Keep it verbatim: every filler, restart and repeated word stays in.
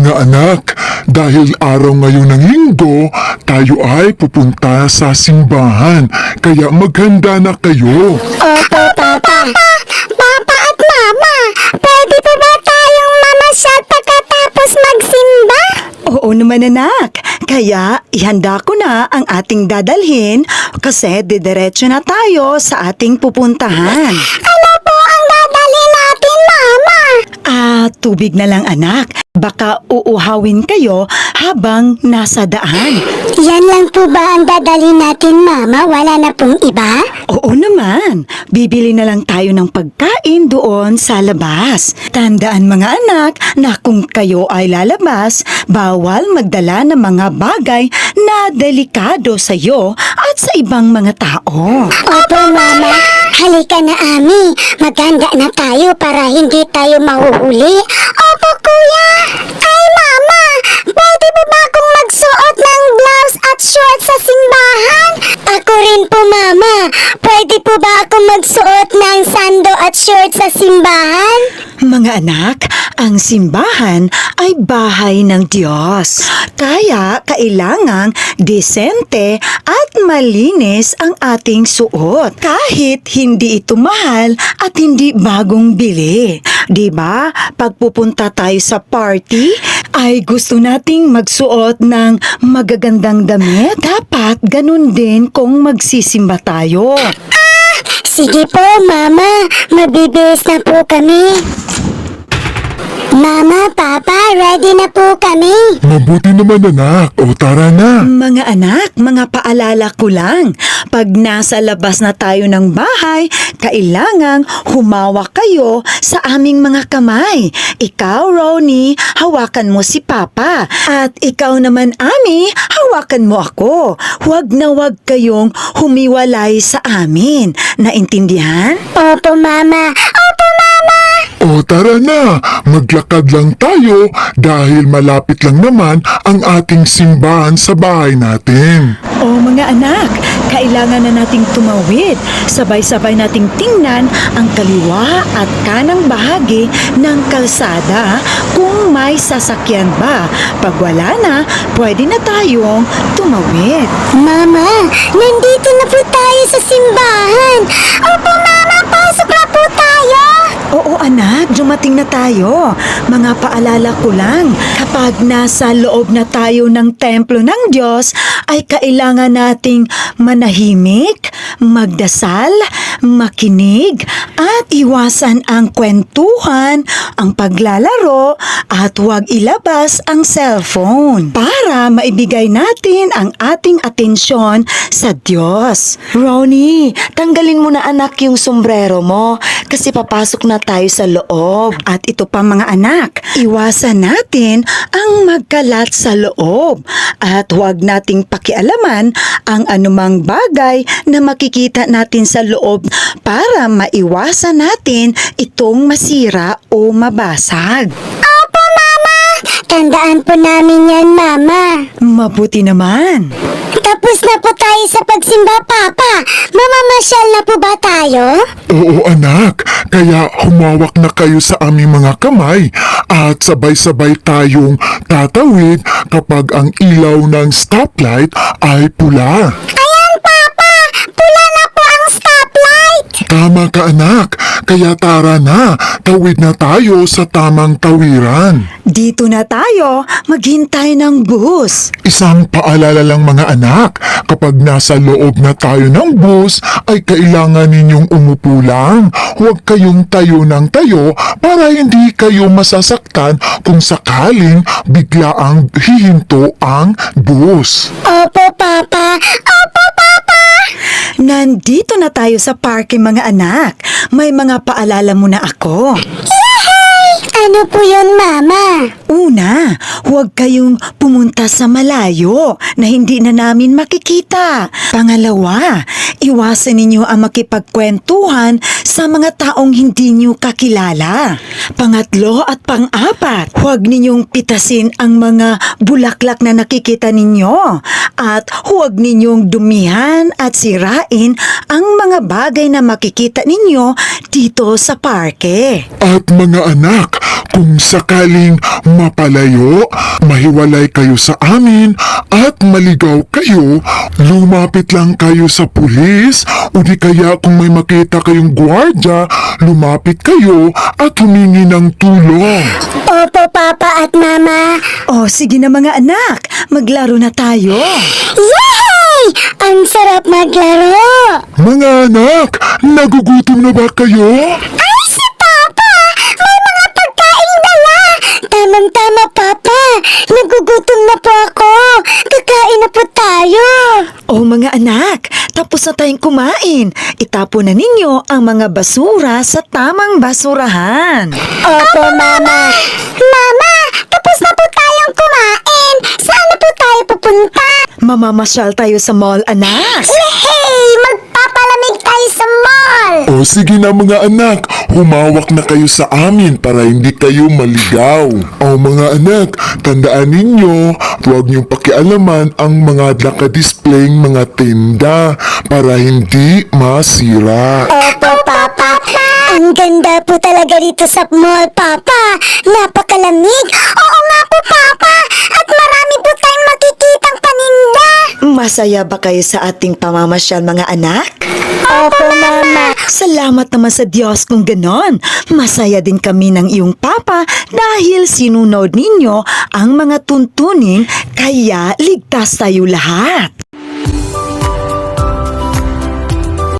Mga anak, dahil araw ngayon ng linggo, tayo ay pupunta sa simbahan. Kaya maghanda na kayo. Opo, Papa. Papa at Mama, pwede pa ba tayong mamasyal pagkatapos magsimba? Oo naman anak, kaya ihanda ko na ang ating dadalhin kasi didiretso na tayo sa ating pupuntahan. Ano po ang dadalhin natin, Mama? Ah, tubig na lang anak, baka uuhawin kayo habang nasa daan. Yan lang po ba ang dadalhin natin, Mama? Wala na pong iba? Oo naman, bibili na lang tayo ng pagkain doon sa labas. Tandaan mga anak na kung kayo ay lalabas, bawal magdala ng mga bagay na delikado sa iyo at sa ibang mga tao. Opo, Mama. Halika na, Ami. Maganda na tayo para hindi tayo mahuhuli. Opo, Kuya. Ay, Mama. Pwede ba ba akong magsuot ng blouse at short sa simbahan? Ako rin po, Mama. Pwede po ba akong magsuot ng sando at short sa simbahan? Mga anak, ang simbahan ay bahay ng Diyos. Kaya kailangang disente at malinis ang ating suot. Kahit hindi ito mahal at hindi bagong bili. Diba? Pag pupunta tayo sa party, ay gusto nating magsuot ng magagandang damit. Dapat ganun din kung magsisimba tayo. Sige po, Mama. Mabibihis na po kami. Mama, Papa, ready na po kami. Mabuti naman anak. O tara na. Mga anak, mga paalala ko lang. Pag nasa labas na tayo ng bahay, kailangang humawak kayo sa aming mga kamay. Ikaw, Ronnie, hawakan mo si Papa. At ikaw naman, Ami, hawakan mo ako. Huwag na huwag kayong humiwalay sa amin. Naintindihan? Opo, Mama. Opo, Mama. O tara na. Maglakad lang tayo dahil malapit lang naman ang ating simbahan sa bahay natin. O mga anak, kailangan na nating tumawid. Sabay-sabay nating tingnan ang kaliwa at kanang bahagi ng kalsada kung may sasakyan ba. Pag wala na, pwede na tayong tumawid. Mama, nandito na po tayo sa simbahan. Opo, Mama, pasok na po tayo. Oo anak, dumating na tayo. Mga paalala ko lang, kapag nasa loob na tayo ng templo ng Diyos, ay kailangan nating manahimik, magdasal, makinig, at iwasan ang kwentuhan, ang paglalaro, at huwag ilabas ang cellphone para maibigay natin ang ating atensyon sa Diyos. Ronnie, tanggalin mo na anak yung sombrero mo kasi papasok na tayo sa loob. At ito pa mga anak, iwasan natin ang magkalat sa loob at huwag nating pakialaman ang anumang bagay na makikita natin sa loob para maiwasan natin itong masira o mabasag. Opo, Mama. Tandaan po namin yan, Mama. Mabuti naman. Tapos na po tayo sa pagsimba, Papa. Mamamasyal na po ba tayo? Oo anak, kaya humawak na kayo sa aming mga kamay at sabay-sabay tayong tatawid kapag ang ilaw ng stoplight ay pula. Ayan, Papa. Pula na po ang stoplight. Tama ka anak, kaya tara na, tawid na tayo sa tamang tawiran. Dito na tayo, maghintay ng bus. Isang paalala lang mga anak, kapag nasa loob na tayo ng bus, ay kailangan ninyong umupo lang. Huwag kayong tayo ng tayo para hindi kayo masasaktan kung sakaling biglaang hihinto ang bus. Opo, Papa. Opo, Papa. Nandito na tayo sa parke mga anak. May mga paalala muna ako. Ano po yun, Mama? Una, huwag kayong pumunta sa malayo na hindi na namin makikita. Pangalawa, iwasan ninyo ang makipagkwentuhan sa mga taong hindi nyo kakilala. Pangatlo at pang-apat, huwag ninyong pitasin ang mga bulaklak na nakikita ninyo. At huwag ninyong dumihan at sirain ang mga bagay na makikita ninyo dito sa parke. At mga anak, Kung sakaling mapalayo, mahiwalay kayo sa amin at maligaw kayo, lumapit lang kayo sa pulis o di kaya kung may makita kayong gwardya, lumapit kayo at humingi ng tulong. Opo, Papa at Mama. O sige na mga anak, maglaro na tayo. Yay! Ang sarap maglaro! Mga anak, nagugutom na ba kayo? Ay, si Papa! May mga pagkain dala! Tamang-tama, Papa! Nagugutom na po ako! Kakain na po tayo! O mga anak, tapos na tayong kumain. Itapon na ninyo ang mga basura sa tamang basurahan. Opo, Mama! Mama! Tapos na po tayong kumain! Saan na po tayo pupunta? Mamamasyal tayo sa mall, anak. Hey! Magpapalamig tayo sa mall! O sige na mga anak, humawak na kayo sa amin para hindi kayo maligaw. O mga anak, tandaan ninyo, huwag niyong pakialaman ang mga nakadisplaying mga tinda para hindi masira. Opo, Papa. Ang ganda po talaga dito sa mall, Papa. Napakalamig. Oo nga po, Papa. At marami po tayong makikitang paninda. Masaya ba kayo sa ating pamamasyal, mga anak? Opo, Mama. Salamat naman sa Diyos kung ganon. Masaya din kami ng iyong papa dahil sinunod ninyo ang mga tuntunin kaya ligtas tayo lahat.